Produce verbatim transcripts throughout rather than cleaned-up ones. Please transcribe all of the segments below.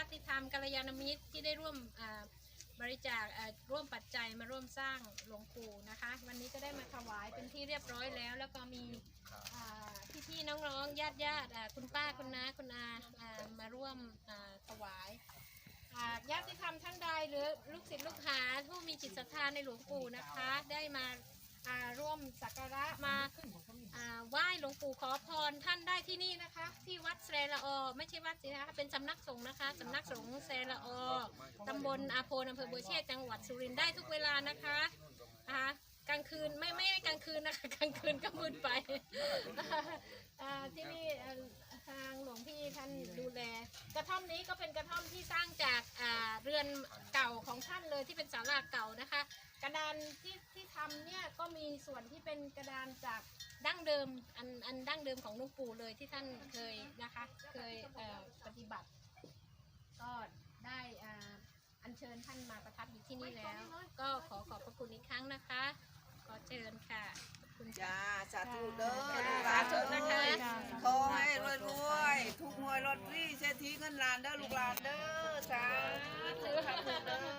ติธรรมกัลยาณมิตรที่ได้ร่วมบริจาคร่วมปัจจัยมาร่วมสร้างหลวงปู่นะคะวันนี้ก็ได้มาถวายเป็นที่เรียบร้อยแล้วแล้วก็มีพี่ๆน้องๆญาติญาติคุณป้าคุณน้าคุณอามาร่วมถวายญาติธรรมท่านใดหรือลูกศิษย์ลูกหาผู้มีจิตศรัทธาในหลวงปู่นะคะได้มาร่วมสักการะมาไหว้หลวงปู่ขอพรท่านได้ที่นี่นะคะที่วัดแสละออไม่ใช่วัดสินะคะเป็นสำนักสงฆ์นะคะสำนักสงฆ์แสละออตำบลอาโพนอำเภอบัวเชษจังหวัดสุรินทร์ได้ทุกเวลานะคะนะคะกลางคืนไม่ไม่กลางคืนนะคะกลางคืนก็มืดไปที่นี่ทางหลวงพี่ท่านดูแลกระท่อมนี้ก็เป็นกระท่อมที่สร้างจากเรือนเก่าของท่านเลยที่เป็นศาลาเก่านะคะกระดานที่ที่ทำเนี่ยก็มีส่วนที่เป็นกระดานจากดั้งเดิมอันอันดั้งเดิมของหลวงปู่เลยที่ท่านเคยนะคะเคยปฏิบัติก็ได้อัญเชิญท่านมาประทับอยู่ที่นี่แล้วก็ขอขอบพระคุณอีกครั้งนะคะขอเชิญค่ะคุณจ้าสาธุเด้อสาธุนะคะขอให้รวยรวยทุกหวยลอตเตอรี่เศรษฐีเงินล้านเด้อลูกหลานเด้อสาธุเด้อ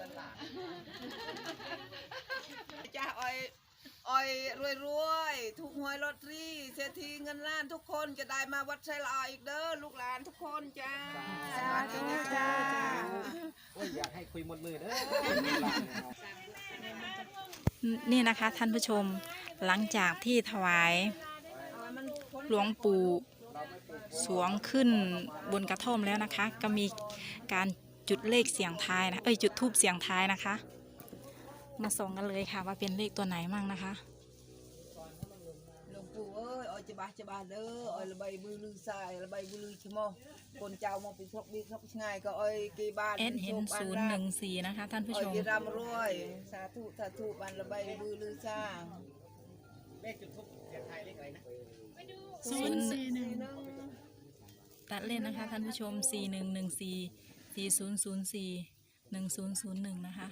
จ้าอ้อยอ้อยรวยรวยทุกหวยลอตเตอรี่เศรษฐีเงินล้านทุกคนจะได้มาวัดไชละอออีกเด้อลูกหลานทุกคนจ้าสาธุจ้าโอ้ยอยากให้คุยหมดมือเด้อนี่นะคะท่านผู้ชมหลังจากที่ถวายหลวงปู่สวงขึ้นบนกระท่อมแล้วนะคะก็มีการจุดเลขเสียงทายนะเอ้ยจุดทูบเสียงทายนะคะมาส่องกันเลยค่ะว่าเป็นเลขตัวไหนมั่งนะคะหลวงปู่เอ้ยอ้อยจะบาจะบาเด้ออ้อยระบายมือลือสายระบายมือลือชิโมคนเจ้ามองเป็นทบบีทบง่ายก็อ้อยกีบานเอ็ดเห็นศูนย์หนึ่งสี่นะคะท่านผู้ชมอ้อยรำรวยสาธุสาธุบานระบายมือลือสร้างเลขจุดทูบเสียงทายเลขอะไรนะศูนย์สี่หนึ่งตัดเล่นนะคะท่านผู้ชมสี่หนึ่งหนึ่งสี่สี่ศูนย์ศูนย์สี่หนึ่งศูนย์ศูนย์หนึ่งนะคะ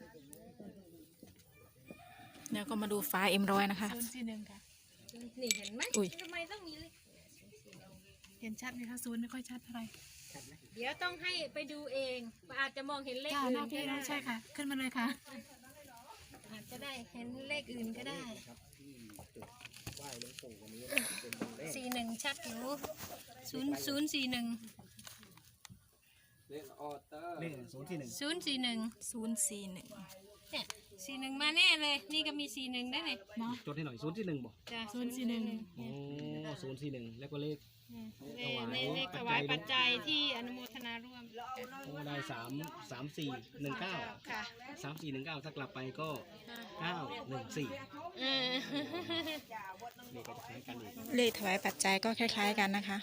เดี๋ยวก็มาดูฟ้าเอ็มร้อยนะคะศูนย์สี่หนึ่งค่ะนี่เห็นไหมทำไมต้องมีเลยเห็นชัดไหมคะศูนย์ไม่ค่อยชัดเท่าไหร่เดี๋ยวต้องให้ไปดูเองอาจจะมองเห็นเลขอื่นก็ได้ใช่ค่ะขึ้นมาเลยค่ะอาจจะได้เห็นเลขอื่นก็ได้สี่หนึ่งชัดอยู่ศูนย์ศูนย์สี่หนึ่งเลขออเตอร์เลขศูนย์สี่หนึ่งศูนย์สี่หนึ่งศูนย์สี่หนึ่งเนี่ยสี่หนึ่งมาแน่เลยนี่ก็มีสี่หนึ่งได้เลยจดให้หน่อยศูนย์สี่หนึ่งบอกศูนย์สี่หนึ่งโอ้ศูนย์สี่หนึ่งแล้วก็เลขในเลขถวายปัจจัยที่อนุโมทนาร่วมโอ้ได้สามสามสี่หนึ่งเก้าค่ะสามสี่หนึ่งเก้าถ้ากลับไปก็เก้าหนึ่งสี่เลขก็จะคล้ายกันอีกเลขถวายปัจจัยก็คล้ายๆกันนะคะ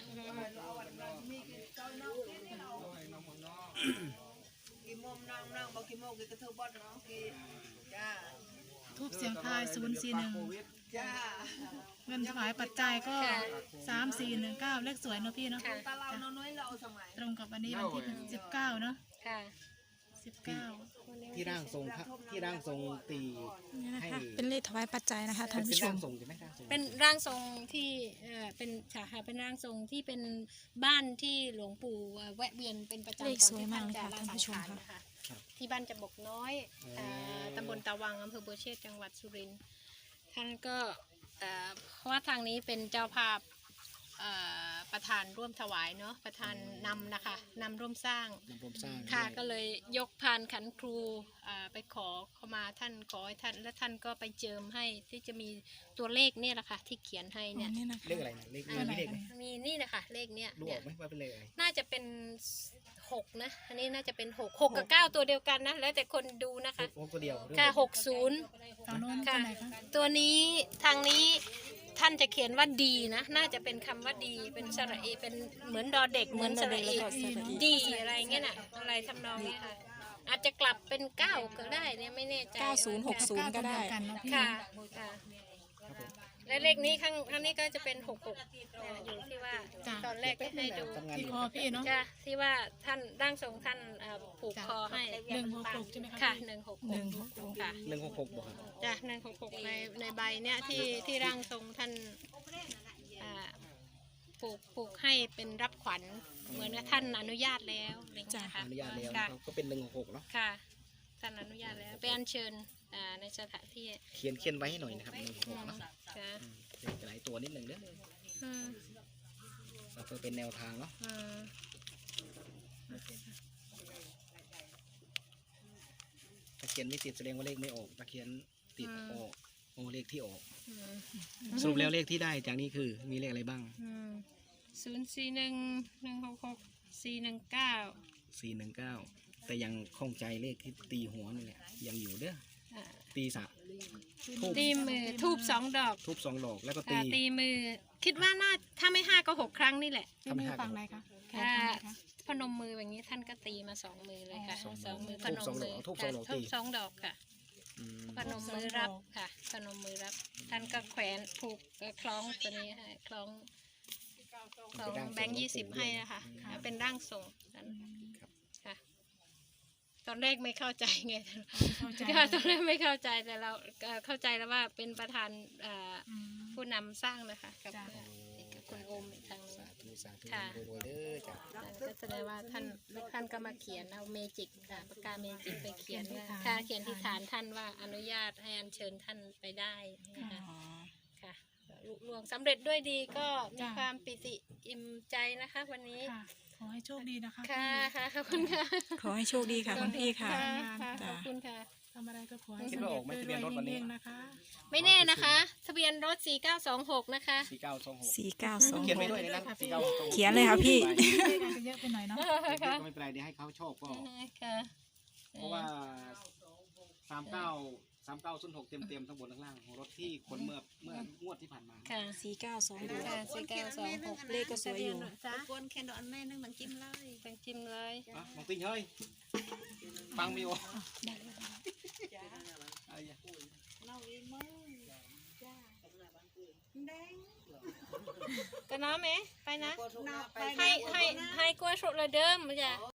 ทูบเสียงทายศูนย์สี่หนึ่งเงินถวายปัจจัยก็สามสี่หนึ่งเก้าเลขสวยเนาะพี่เนาะตรงกับวันนี้วันที่สิบเก้าเนาะสิบเก้าที่ร่างทรงที่ร่างทรงตีให้เป็นเลขถวายปัจจัยนะคะท่านผู้ชมเป็นร่างทรงที่เป็นฉาค่ะเป็นร่างทรงที่เป็นบ้านที่หลวงปู่แวะเวียนเป็นประจำเลขสวยมากเลยค่ะท่านผู้ชมค่ะที่บ้านจำบกน้อยตำบลตะวังอำเภอบัวเชษจังหวัดสุรินทร์ท่านก็เพราะว่าทางนี้เป็นเจ้าภาพประธานร่วมถวายเนาะประธานนำนะคะนำร่วมสร้างค่ะก็เลยยกพานขันครูไปขอเข้ามาท่านขอให้ท่านและท่านก็ไปเจิมให้ที่จะมีตัวเลขเนี่ยแหละค่ะที่เขียนให้เนี่ยเลขอะไรนะเลขมีเลขมีนี่นะคะเลขเนี้ยรู้ไหมว่าเป็นเลขอะไรน่าจะเป็นหกนะอันนี้น่าจะเป็นหกหกกับเก้าตัวเดียวกันนะแล้วแต่คนดูนะคะหกตัวเดียวค่ะหกศูนย์ค่ะตัวนี้ทางนี้ท่านจะเขียนว่าดีนะน่าจะเป็นคำว่าดีเป็นสระเอเป็นเหมือนดอเด็กเหมือนสระเอดีอะไรเงี้ยน่ะอะไรทำนองนี้ค่ะอาจจะกลับเป็นเก้าก็ได้เนี่ยไม่แน่ใจเก้าศูนย์หกศูนย์ก็ได้ค่ะค่ะและเลขนี้ข้างข้างนี้ก็จะเป็นหกหกอยู่ที่ว่าตอนแรกที่ให้ดูที่คอพี่เนาะจ้ะที่ว่าท่านร่างทรงท่านผูกคอให้หนึ่งหกหกใช่ไหมคะค่ะหนึ่งหกหกค่ะหนึ่งหกหกบอกจ้ะหนึ่งหกหกในในใบเนี้ยที่ที่ร่างทรงท่านปลูกปลูกให้เป็นรับขวัญเหมือนกับท่านอนุญาตแล้วอะไรอย่างเงี้ยค่ะอนุญาตแล้วค่ะนะครับก็เป็นหนึ่งหกหกเนาะค่ะท่านอนุญาตแล้วไปอัญเชิญอ่าในสถานที่เขียนเขียนไว้ให้หน่อยนะครับหนึ่งหกหกเนาะค่ะอืมเป็นหลายตัวนิดหนึ่งเด้ออืมแล้วก็เป็นแนวทางเนาะอืมถ้าเขียนไม่ติดแสดงว่าเลขไม่ออกถ้าเขียนติดออกโอ้เลขที่ออกอืมสรุปแล้วเลขที่ได้จากนี้คือมีเลขอะไรบ้างศูนย์สี่หนึ่งหนึ่งหกหกสี่หนึ่งเก้าสี่หนึ่งเก้าแต่ยังคล่องใจเลขที่ตีหัวนี่แหละยังอยู่เด้อตีสะทูบตีมือทูบสองดอกทูบสองดอกแล้วก็ตีอ่าตีมือ คิดว่าน่าถ้าไม่ห้าก็หกครั้งนี่แหละที่มือฝั่งไหนคะแขนถ้าฝั่งไหนคะพนมมือแบบนี้ท่านก็ตีมาสองมือเลยค่ะสองสองมือพทูบนมสองดมือกอเอาทูบสองดอกค่ะตีทูบสองดอกค่ะอืมพนมมือรับค่ะพนมมือรับ ท่านก็แขวนผูกเอ่อคล้องตัวนี้ให้คล้องคล้องแบงค์ยี่สิบให้นะคะเป็นร่างทรงท่านค่ะ ตอนแรกไม่เข้าใจไงเข้าใจค่ะตอนแรกไม่เข้าใจแต่เราเอ่อเข้าใจแล้วว่าเป็นประธานเอ่ออืมผู้นำสร้างนะคะกับจ้ะกับคุณโอมอีกทางหนึงสาธุสาธุค่ะรวยๆเด้อจ้ะก็แสดงว่าท่านท่านก็มาเขียนเอาเมจิกอ่าปากกาเมจิกไปเขียนว่าค่ะเขียนที่ฐานท่านว่าอนุญาตให้อัญเชิญท่านไปได้นะคะอ๋อค่ะลุล่วงสำเร็จด้วยดีก็มีจ้ะความปิติอิ่มใจนะคะ วันนี้ค่ะ ขอให้โชคดีนะคะค่ะค่ะขอบคุณค่ะขอให้โชคดีค่ะคุณพี่ค่ะค่ะขจ้ะอบคุณค่ะทำอะไรก็ขอให้สำเร็จด้วยๆเฮงๆนะคะไม่แน่นะคะ ทะเบียนรถ สี่เก้าสองหก นะคะสี่เก้าสองหกสี่เก้าสองเขียนไว้ด้วยในนั้นสี่เก้าสองหกเขียนเลยค่ะพี่เลขอาจจะเยอะไปหน่อยเนาะค่ะก็ไม่เป็นไรเดี๋ยวให้เขาโชคก็ค่ะเพราะว่าสามเก้าสามเก้าศูนย์หกเต็มเต็มๆทั้งบนทั้งล่างของรถที่คนเมื่อเมื่องวดที่ผ่านมาค่ะสี่เก้าสองหกค่ะสี่เก้าสองหกเลขก็สวยอยู่จ้ะกวนแคนดอนแม่นึงมันจิ้มเลยเป็นจิ้มเลยอ่ะมองติงเฮ้ยฟังไมีโออะไรอ่ะก็น้อไหมไปนะ ให้ให้ให้กลัวสุดเลยเดิมจ้ะ